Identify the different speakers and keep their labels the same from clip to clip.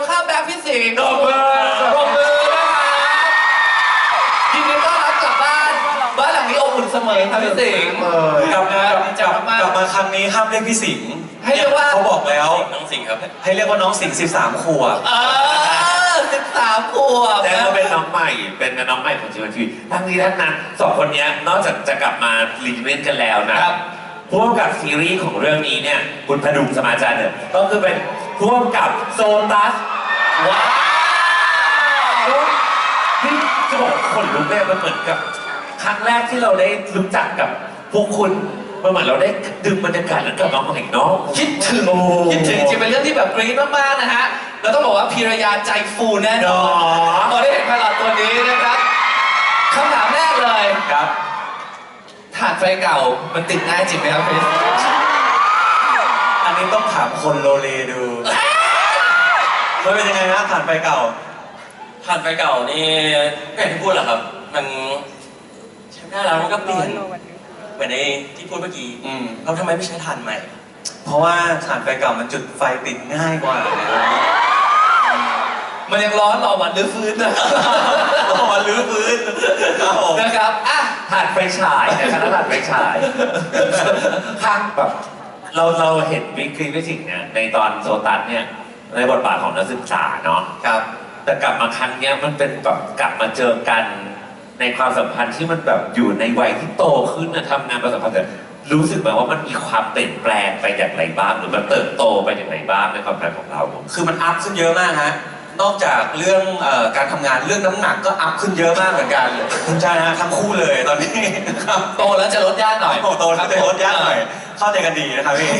Speaker 1: ข้ามแบ็คพี่สิงห์
Speaker 2: ปรบมือ
Speaker 1: ปรบมือนะครับยินดีต้อนรับกลับบ้านหลังนี้อบอุ่นเสมอครับพี่สิงห์
Speaker 2: กลับมาครั้งนี้ห้ามเรียกพี่สิงห์
Speaker 1: ให้เรียกว่า
Speaker 2: เขาบอกแล้ว
Speaker 3: น้องสิงห์ครับ
Speaker 2: ให้เรียกว่าน้องสิงห์13 ขวบ
Speaker 1: 13 ขวบ
Speaker 4: แต่ก็เป็นน้องใหม่ เป็นน้องใหม่ของชีวิตทีทั้งนี้ทั้งนั้นสองคนนี้นอกจากจะกลับมารีเวนกันแล้วนะครับผู้กำกับซีรีส์ของเรื่องนี้เนี่ยคุณพดุงสมาจารย์เนี่ยก็คือเป็นผู้กำกับโซตัสว้าวนี่จะบอกคนลุกเนี่ยมันเหมือนกับครั้งแรกที่เราได้รู้จักกับพวกคุณมันเหมือนเราได้ดื่มบรรยากาศแล้วกับน้องใหม่เนาะ
Speaker 1: คิดถึงจริงเป็นเรื่องที่แบบกรี๊ดมากๆนะฮะเราต้องบอกว่าพีรยาใจฟูแน่นอนพอได้เห็นพลอตตัวนี้นะครับคำถามแรกเลย
Speaker 2: ครับ
Speaker 1: ถ่านไฟเก่ามันติดง่ายจริงไหมครับพี่
Speaker 2: อันนี้ต้องถามคนโลเลดูมันเป็นยังไงนะผ่านไปเก่า
Speaker 3: ผ่านไฟเก่านี่ก็อย่างที่พูดแหละครับ มันใช้ไม่ได้แล้วมันก็เปลี่ยนเหมือนในที่พูดเมื่อกี้เราทำไมไม่ใช้ถ่านใหม่
Speaker 2: เพราะว่าถ่านไฟเก่ามันจุดไฟติดง่ายกว่า
Speaker 1: มันยังร้อนรอวันรื้อฟื้นนะ
Speaker 2: รอวันรื้อฟื้น
Speaker 1: นะครับอ่ะ
Speaker 4: ถ่านไฟฉายนะครับถ่านไฟฉายข้างแบบเราเห็นวิกฤตวิสิงห์เนี่ยในตอนโซตัสเนี่ยในบทบาทของนักศึกษาเนาะ
Speaker 1: ครับ
Speaker 4: แต่กลับมาครั้งเนี้ยมันเป็นแบบกลับมาเจอกันในความสัมพันธ์ที่มันแบบอยู่ในวัยที่โตขึ้นนะทำงานประสบความสำเร็จรู้สึกไหมว่ามันมีความเปลี่ยนแปลงไปอย่างไรบ้างหรือมันเติบโตไปอย่างไรบ้างในความสัมพันธ์ของเรา
Speaker 2: คือมันอัพขึ้นเยอะมากฮะ นอกจากเรื่องการทำงานเรื่องน้ำหนักก็อัพขึ้นเยอะมากเหมือนกันใช่ฮะทั้งคู่เลยตอนนี้ครับ
Speaker 1: โตแล้วจะลดยากหน่อย
Speaker 2: โตแล้วจะลดยากหน่อยเข้าใจกันดีนะครับพี่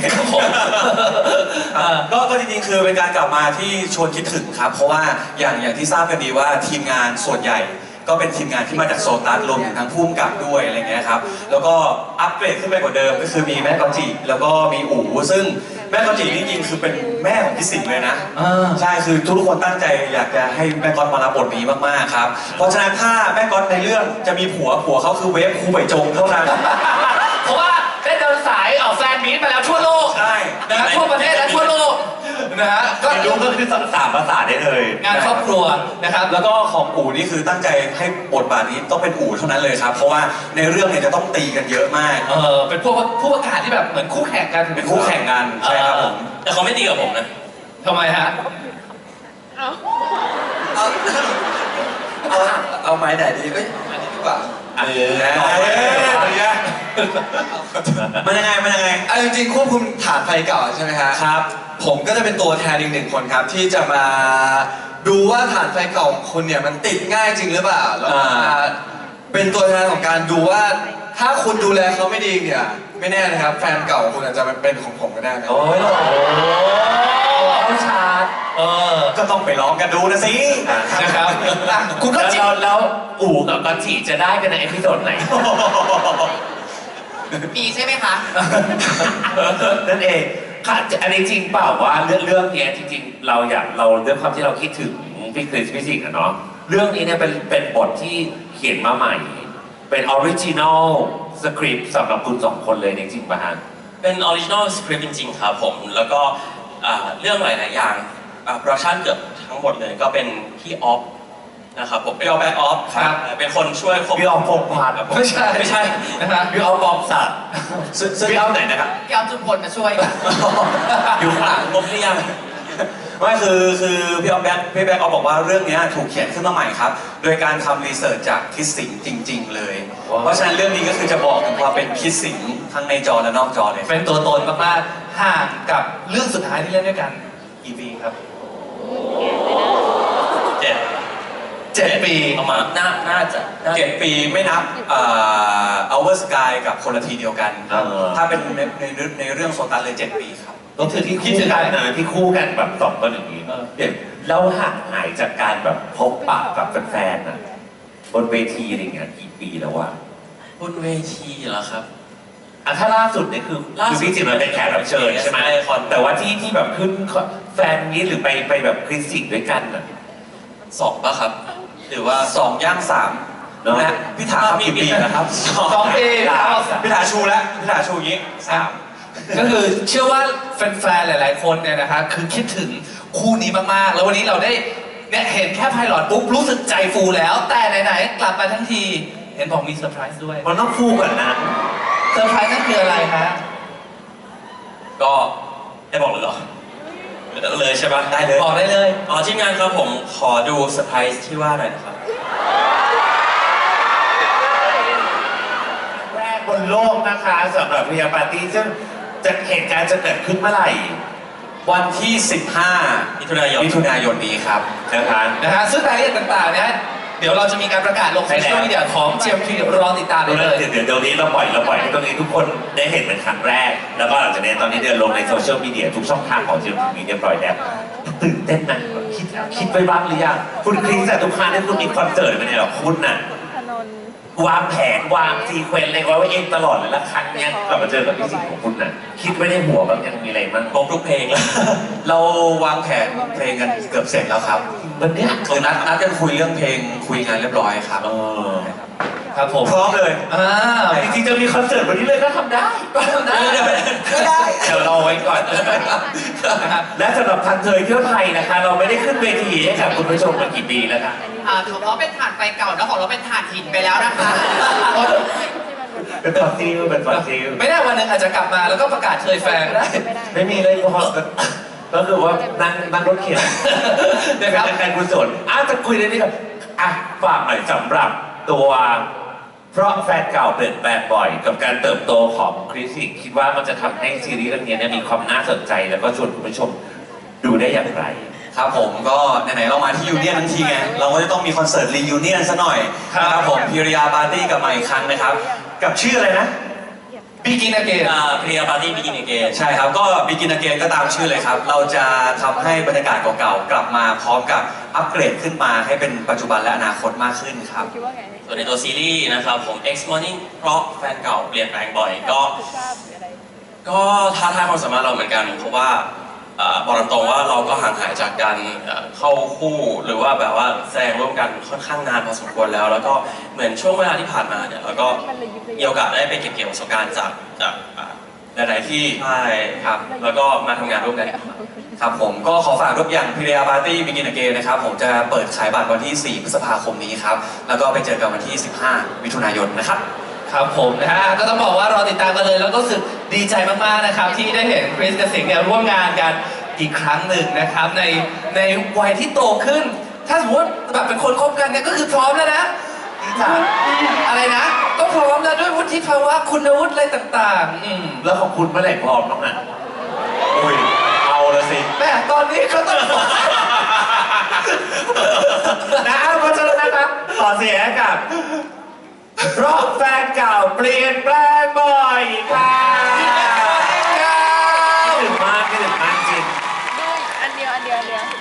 Speaker 2: ก็จริงๆคือเป็นการกลับมาที่ชวนคิดถึงครับเพราะว่าอย่างที่ทราบกันดีว่าทีมงานส่วนใหญ่ก็เป็นทีมงานที่มาจากโซตัสรวมถึงทั้งผู้กำกับด้วยอะไรเงี้ยครับแล้วก็อัปเกรดขึ้นไปกว่าเดิมก็คือมีแม่กอจิแล้วก็มีอู๋ซึ่งแม่กอจินี่จริงๆคือเป็นแม่ของพี่สิงห์เลยนะใช่คือทุกคนตั้งใจอยากจะให้แม่ก๊อตมารับบทนี้มากๆครับเพราะฉะนั้นถ้าแม่ก๊อตในเรื่องจะมีผัวเขาคือเวฟครูใบจงเท่านั้น
Speaker 1: เพราะว่าได้เดินสายออกแฟนมีตมาแล้วทั่วโลก
Speaker 2: ใช่
Speaker 1: นะฮะทั่วประเทศและทั่วโลกนะฮะก็
Speaker 4: รู้ก็คือ3 ภาษาได้เลย
Speaker 1: งานครอบครัวนะครับ
Speaker 2: แล้วก็ของอู๋นี่คือตั้งใจให้บทบาทนี้ต้องเป็นอู๋เท่านั้นเลยครับเพราะว่าในเรื่องเนี่ยจะต้องตีกันเยอะมาก
Speaker 1: เป็นพวกผู้ประกาศที่แบบเหมือนคู่แข่งกัน
Speaker 2: เป็นคู่แข่งกันใช่ครับผม
Speaker 3: แต่เขาไม่ตีกับผมนะ
Speaker 1: ทำไมฮะ
Speaker 5: เอาไม้ไหนดีเอ้ยอันนี้ดีกว่า
Speaker 2: มันยังไง
Speaker 5: เอาจริงๆควบคุมฐานไฟเก่าใช่ไหมฮะ
Speaker 2: ครับ
Speaker 5: ผมก็จะเป็นตัวแทนอีก1 คนครับที่จะมาดูว่าฐานไฟเก่าของคุณเนี่ยมันติดง่ายจริงหรือเปล่าแล้วก็มาเป็นตัวแทนของการดูว่าถ้าคุณดูแลเขาไม่ดีเนี่ยไม่แน่นะครับแฟนเก่าของคุณอาจจะเป็นของผมก็ได้นะ
Speaker 2: โอ้ย
Speaker 1: ชาร์จ
Speaker 2: ก็ต้องไปลองกันดูนะสิ
Speaker 1: นะครับคุณก็จิ
Speaker 4: แล้วอู๋กับกอจิจะได้กันในเอพิโซดไหน
Speaker 1: มีใช่ไหมคะ
Speaker 4: นั่นเองค่ะอันนี้จริงเปล่าว่าเรื่องนี้จริงๆเราด้วยความที่เราคิดถึงพี่คริสพี่สิงห์อะเนาะเรื่องนี้เนี่ยเป็นบทที่เขียนมาใหม่เป็นออริจินอลสคริปต์สำหรับคุณ2 คนเลยจริงๆป่ะฮะ
Speaker 3: เป็นออริจินอลสคริปต์จริงๆครับผมแล้วก็เรื่องหลายๆอย่างโปรดักชั่นเกือบทั้งหมดเลยก็เป็นพี่ออฟนะครับผมเป็นออฟแบ็กออฟครับเป็นคนช่วย
Speaker 4: พี่ออฟพงษ์พัฒน์
Speaker 1: ไม่ใช่นะฮะ
Speaker 4: พี่ออฟบอมสัตว์พี่ออฟไหนนะครับ
Speaker 1: พี่เอาจุมพลมาช่วย
Speaker 3: อยู่ข้างหลังผมหรือยัง
Speaker 2: ไม่คือพี่ออฟบอกว่าเรื่องนี้ถูกเขียนขึ้นมาใหม่ครับโดยการทำรีเสิร์ชจากคิดสิงจริงๆเลยเพราะฉะนั้นเรื่องนี้ก็คือจะบอกถึงความเป็นคิดสิงทั้งในจอและนอกจอเลย
Speaker 1: เป็นตัวตนมากๆห่างกับเรื่องสุดท้ายที่เล่นด้วยกันกี่ปีครับ 7 ปี
Speaker 3: ประมาณน่าจะ
Speaker 2: 7 ปีไม่นับOur Sky กับคนละทีเดียวกัน ถ้าเป็นในเรื่องโซตัสเลย7 ปีครับ
Speaker 4: ก็คือที่คู่กันนะที่คู่กันแบบ2 คนอย่างนี้เดี๋ยวเราห่างหายจากการแบบพบปะกับแฟนๆนะบนเวทีอะไรเงี้ยกี่ปีแล้ววะ
Speaker 3: บนเวทีเหรอครับ
Speaker 4: ถ้าล่าสุดเนี่ยคือพี่จิ๋มมันเป็นแขกรับเชิญใช่ไหมแต่ว่าที่แบบขึ้นแฟนนี้หรือไปแบบคริสสิกด้วยกันน่ะ
Speaker 3: 2ป่ะครับหรือว่า
Speaker 2: 2 ย่าง 3นะฮะพี่ถาครับกี่ปีนะครับ
Speaker 1: 2 ปี
Speaker 2: พี่ถาชูแล้วพี่ถาชูอย่างนี้3
Speaker 1: ก็คือเชื่อว่าแฟนๆหลายๆคนเนี่ยนะคะคือคิดถึงคู่นี้มากๆ แล้ววันนี้เราได้เนี่ยเห็นแค่ไพลอตปุ๊บรู้สึกใจฟูแล้ว แต่ไหนๆกลับมาทั้งทีเห็นบอกมีเซอร์ไพรส์ด้วย
Speaker 4: มันต้องคู่กันนะ
Speaker 1: เซอร์ไพรส์นั่นคืออะไรฮะ
Speaker 3: ก็ได้บอกเลยเหรอเลยใช่ปะ
Speaker 2: ได้เลย
Speaker 1: บอกได้เลย
Speaker 3: อ๋อทีมงานครับผมขอดูเซอร์ไพรส์ที่ว่าหน่อยนะครับ
Speaker 4: แรกบนโลกนะคะสำหรับเรียปาร์ตี้ซึ่งจะเหตุการณ์จะเกิดขึ้นเมื่อไหร่
Speaker 2: วันที่ 15
Speaker 3: มิถุนายน
Speaker 2: มิถุนายนนี้ครับ
Speaker 4: นะคะ
Speaker 1: นะฮะซึ่งรายละเอียดต่างๆเนี่ยเดี๋ยวเราจะมีการประกาศลงโซเชียลมีเดียของ GMT รอติดตามได้เลย
Speaker 4: เดี๋ยวนี้เราปล่อยให้ตรงนี้ทุกคนได้เห็นเป็นครั้งแรก แล้วก็หลังจากนี้ตอนนี้เดินลงในโซเชียลมีเดียทุกช่องทางของ GMTV เรียบร้อยแล้วตื่นเต้นนะคิดไปบ้างหรือยังคุณคริสแต่ทุกครั้งที่คุณมีคอนเสิร์ตเป็นไงหรอคุณน่ะวางแผนวางซีเควนต์อะไรไว้เองตลอดเลยแล้วครั้งเนี้ยกลับมาเจอกับพี่สิงห์ของคุณน่ะคิดไว้ในหัวแบบยังมีอะไรบ้าง
Speaker 3: ครบทุกเพลงแล้ว
Speaker 2: เราวางแผนเพลงกันเกือบเสร็จแล้วครับ
Speaker 4: วันเนี้ย
Speaker 2: คือนัดกันคุยเรื่องเพลงคุยงานเรียบร้อยครับ
Speaker 1: ครับผม
Speaker 2: พร้อมเลย
Speaker 4: จริงๆจะมีคอนเสิร์ตวันนี้เลยก็ทำได้
Speaker 2: ก็ได้
Speaker 4: เดี๋ยวรอไว้ก่อน และสำหรับทางเธอเที่ยวไทยนะคะ เราไม่ได้ขึ้นเวทีให้กับคุณผู้ชมมากี่ปีแล้วคะ
Speaker 6: ของเขาเป็นถ่านไฟเก่าแล้วของเราเป็นถ่านหินไปแล้วนะคะ
Speaker 4: เป็นฟอสซิลเป็นฟอสซิล
Speaker 1: ไม่แน่วันหนึ่งอาจจะกลับมาแล้วก็ประกาศเชยแฟนก็ได้
Speaker 4: ไม่มีเลยพอก็คือว่านั่งรถเข็น
Speaker 1: นะครับ
Speaker 4: เป็นการกุศลจะคุยได้นี่ก่อนฝากหน่อยสำหรับตัวเพราะแฟนเก่าเปลี่ยนแปลงบ่อยกับการเติบโตของคริสสิคิดว่ามันจะทำให้ซีรีส์เรื่องนี้มีความน่าสนใจแล้วก็ชวนคุณผู้ชมดูได้อย่างไร
Speaker 2: ครับผมก็ไหนๆเรามาที่ยูเนียนทั้งทีไงเราก็จะต้องมีคอนเสิร์ตรียูเนียนซะหน่อยนะครับผมพิริยาปาร์ตี้กลับมาอีกครั้งนะครับ กับชื่ออะไรนะ
Speaker 1: Begin Again
Speaker 3: เพลียปาร์ตี้บิกินเกน
Speaker 2: ใช่ครับก็ Begin Again ก็ตามชื่อเลยครับ เราจะทำให้บรรยากาศเก่าๆกลับมาพร้อมกับอัปเกรดขึ้นมาให้เป็นปัจจุบันและอนาคตมากขึ้นครับ
Speaker 3: ส่วนในตัวซีรีส์นะครับผม X Morning เพราะแฟนเก่าเปลี่ยนแปลงบ่อยก็ท้าทายความสามารถเราเหมือนกัน เพราะว่าบอกตรงๆว่าเราก็ห่างหายจากการเข้าคู่หรือว่าแบบว่าแสดงร่วมกันค่อนข้างนานพอสมควรแล้ว แล้วก็เหมือนช่วงเวลาที่ผ่านมาเนี่ยเราก็มีโอกาสได้ไปเก็บเกี่ยวประสบการณ์จากหลายๆที่ใช่ครับแล้วก็มาทำงานร่วมกัน
Speaker 2: ครับผมก็ขอฝากทุกอย่างพิริยาปาร์ตี้ Begin Again นะครับผมจะเปิดขายบัตรวันที่ 4 พฤษภาคมนี้ครับแล้วก็ไปเจอกันวันที่ 15 มิถุนายนนะครับ
Speaker 1: ครับผมนะฮะก็ต้องบอกว่ารอติดตามกันเลยแล้วก็รู้สึกดีใจมากๆนะครับที่ได้เห็นคริสกับสิงห์เนี่ยร่วมงานกันอีกครั้งหนึ่งนะครับในวัยที่โตขึ้น ถ้าสมมติแบบเป็นคนคบกันเนี่ยก็คือพร้อมแล้วนะอะไรนะก็พร้อมแล้วด้วยวุฒิภาวะคุณวุฒิอะไรต่างๆ
Speaker 4: แล้วของคุณเมื่อไหร่พร้อมน้องอ่ะอุ้ยเอาละสิ
Speaker 1: แม่ตอนนี้เขาต้องบอก
Speaker 4: นะเพราะฉะนั้นนะครับขอเสียงให้กับเพราะแฟนเก่าเปลี่ยนแปลงบ่อยค่ะคิดถึงมากจริง
Speaker 7: ดูอันเดียว